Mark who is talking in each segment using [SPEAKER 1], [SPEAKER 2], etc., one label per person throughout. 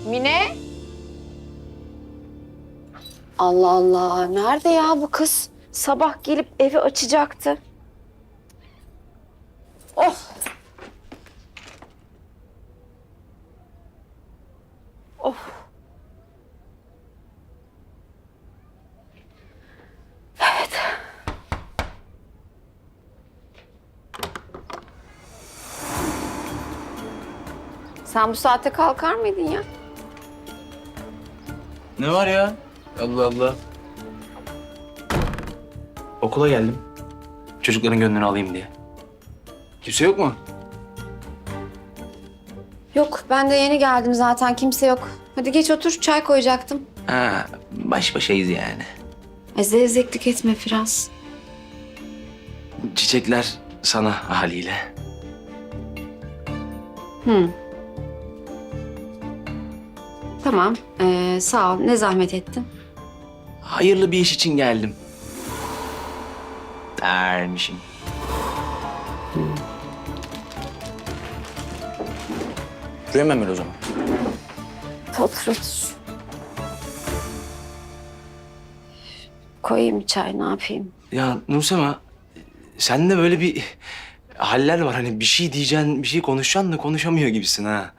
[SPEAKER 1] Mine? Allah Allah, nerede ya bu kız? Sabah gelip evi açacaktı. Oh! Oh! Evet. Sen bu saate kalkar mıydın ya?
[SPEAKER 2] Ne var ya? Allah Allah. Okula geldim. Çocukların gönlünü alayım diye. Kimse yok mu?
[SPEAKER 1] Yok, ben de yeni geldim zaten. Kimse yok. Hadi geç otur, çay koyacaktım.
[SPEAKER 2] Ha, baş başayız yani.
[SPEAKER 1] Zevzeklik etme Firaz.
[SPEAKER 2] Çiçekler sana haliyle.
[SPEAKER 1] Tamam, sağ ol. Ne zahmet ettin.
[SPEAKER 2] Hayırlı bir iş için geldim. Dermişim. Şuraya mı Emel o zaman?
[SPEAKER 1] Otur, otur. Koyayım bir çay, ne yapayım?
[SPEAKER 2] Ya Nursema, sende böyle bir haller var. Hani bir şey diyeceksin, bir şey konuşacaksın da konuşamıyor gibisin ha.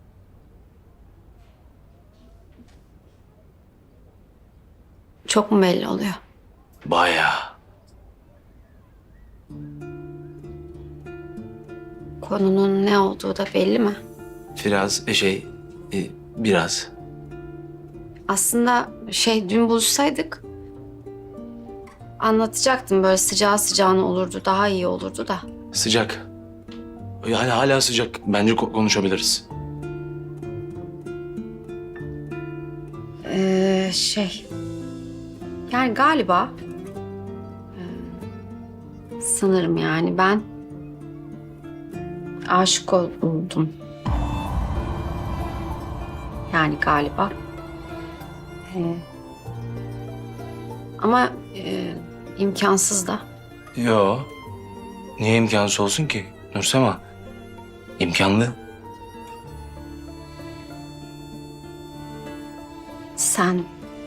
[SPEAKER 1] Çok mu belli oluyor?
[SPEAKER 2] Bayağı.
[SPEAKER 1] Konunun ne olduğu da belli mi?
[SPEAKER 2] Biraz biraz.
[SPEAKER 1] Aslında dün buluşsaydık anlatacaktım, böyle sıcağı sıcağına olurdu, daha iyi olurdu da.
[SPEAKER 2] Sıcak. Yani hala sıcak. Bence konuşabiliriz.
[SPEAKER 1] Yani galiba sanırım yani ben aşık oldum. Yani galiba. Ama imkansız da.
[SPEAKER 2] Yo. Niye imkansız olsun ki Nursema? İmkanlı.
[SPEAKER 1] Sen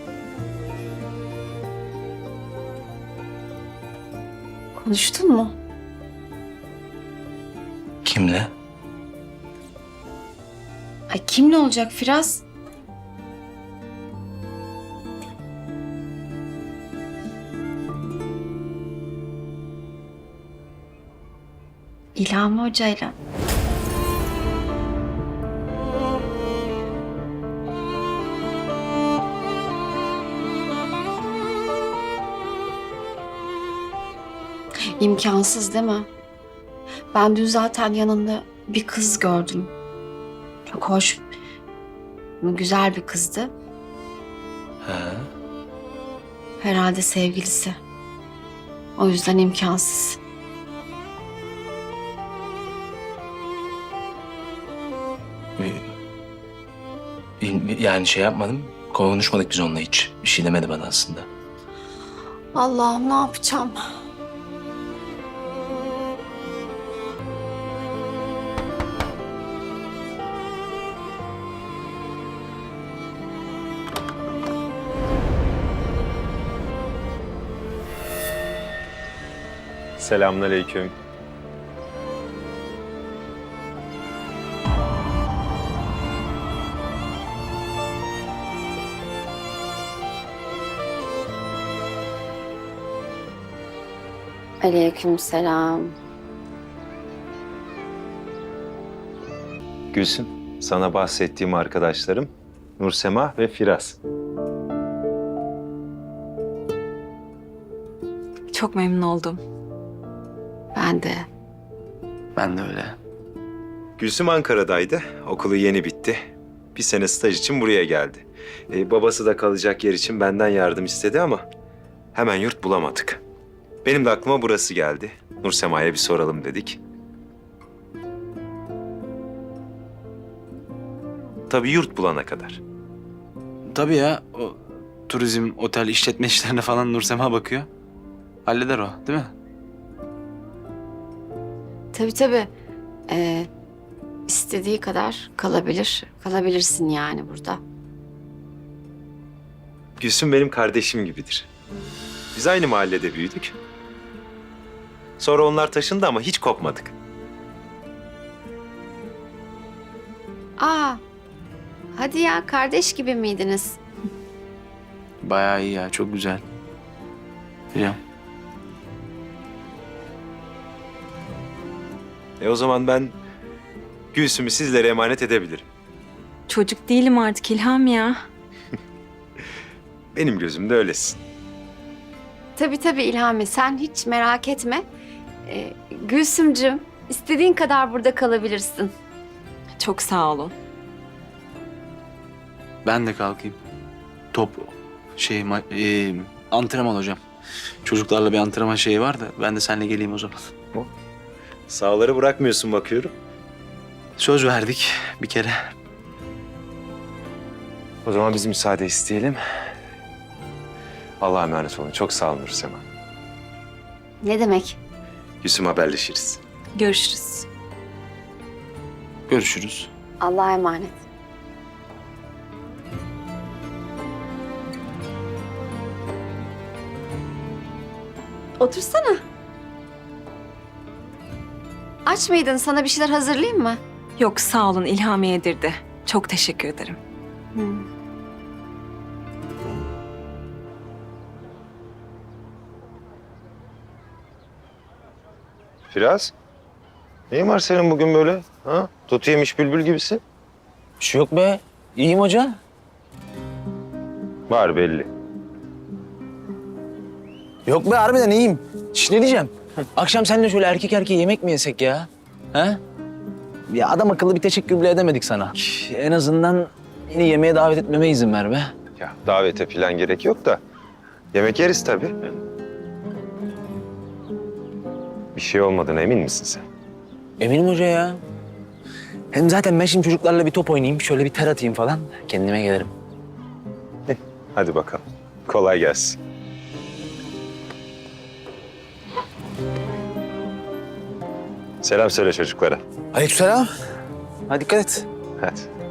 [SPEAKER 1] konuştun mu?
[SPEAKER 2] Kimle?
[SPEAKER 1] Ay, kimle olacak Firaz? İlhami Hoca'yla. İmkansız değil mi? Ben dün zaten yanında bir kız gördüm. Çok hoş, güzel bir kızdı.
[SPEAKER 2] He.
[SPEAKER 1] Herhalde sevgilisi. O yüzden imkansız.
[SPEAKER 2] Yani şey yapmadım. Konuşmadık biz onunla hiç. Bir şey demedi bana aslında.
[SPEAKER 1] Allah'ım, ne yapacağım?
[SPEAKER 3] Selamünaleyküm.
[SPEAKER 1] Aleykümselam.
[SPEAKER 3] Gülsüm, sana bahsettiğim arkadaşlarım Nursema ve Firaz.
[SPEAKER 4] Çok memnun oldum.
[SPEAKER 1] Ben de.
[SPEAKER 2] Ben de öyle.
[SPEAKER 3] Gülsüm Ankara'daydı, okulu yeni bitti. Bir sene staj için buraya geldi. Babası da kalacak yer için benden yardım istedi ama hemen yurt bulamadık. Benim de aklıma burası geldi. Nursema'ya bir soralım dedik. Tabii yurt bulana kadar.
[SPEAKER 2] Tabii ya. O turizm, otel, işletme işlerine falan Nursema bakıyor. Halleder o, değil mi?
[SPEAKER 1] Tabii tabii. istediği kadar kalabilir. Kalabilirsin yani burada.
[SPEAKER 3] Gülsüm benim kardeşim gibidir. Biz aynı mahallede büyüdük. Sonra onlar taşındı ama hiç kopmadık.
[SPEAKER 1] Aa, hadi ya, kardeş gibi miydiniz?
[SPEAKER 2] Bayağı iyi ya, çok güzel. Hocam.
[SPEAKER 3] O zaman ben Gülsüm'ü sizlere emanet edebilirim.
[SPEAKER 4] Çocuk değilim artık İlham ya.
[SPEAKER 3] Benim gözümde öylesin.
[SPEAKER 1] Tabii İlhami, sen hiç merak etme. Gülsümcüğüm, istediğin kadar burada kalabilirsin.
[SPEAKER 4] Çok sağ olun.
[SPEAKER 2] Ben de kalkayım. Top antrenman hocam. Çocuklarla bir antrenman şeyi var da ben de seninle geleyim o zaman.
[SPEAKER 3] Sağları bırakmıyorsun bakıyorum.
[SPEAKER 2] Söz verdik bir kere.
[SPEAKER 3] O zaman biz müsaade isteyelim. Allah'a emanet olun. Çok sağ olun Nursema.
[SPEAKER 1] Ne demek?
[SPEAKER 3] Gülsüm, haberleşiriz.
[SPEAKER 4] Görüşürüz.
[SPEAKER 2] Görüşürüz.
[SPEAKER 1] Allah'a emanet. Otursana. Aç mıydın? Sana bir şeyler hazırlayayım mı?
[SPEAKER 4] Yok sağ olun İlham yedirdi. Çok teşekkür ederim.
[SPEAKER 3] Firaz, neyin var senin bugün böyle? Ha? Tut yemiş bülbül gibisin.
[SPEAKER 2] Bir şey yok be. İyiyim hoca.
[SPEAKER 3] Var belli.
[SPEAKER 5] Yok be harbiden iyiyim. Şş, ne diyeceğim? Akşam seninle şöyle erkek erkeğe yemek mi yesek ya? Ha? Ya adam akıllı bir teşekkür bile edemedik sana. En azından beni yemeğe davet etmeme izin ver be.
[SPEAKER 3] Ya davete falan gerek yok da yemek yeriz tabii. Bir şey olmadığına emin misin sen?
[SPEAKER 5] Eminim hoca ya. Hem zaten ben şimdi çocuklarla bir top oynayayım, şöyle bir ter atayım falan. Kendime gelirim.
[SPEAKER 3] Hadi bakalım. Kolay gelsin. Selam söyle çocuklara.
[SPEAKER 5] Aleykümselam. Hadi dikkat et.
[SPEAKER 3] Hadi.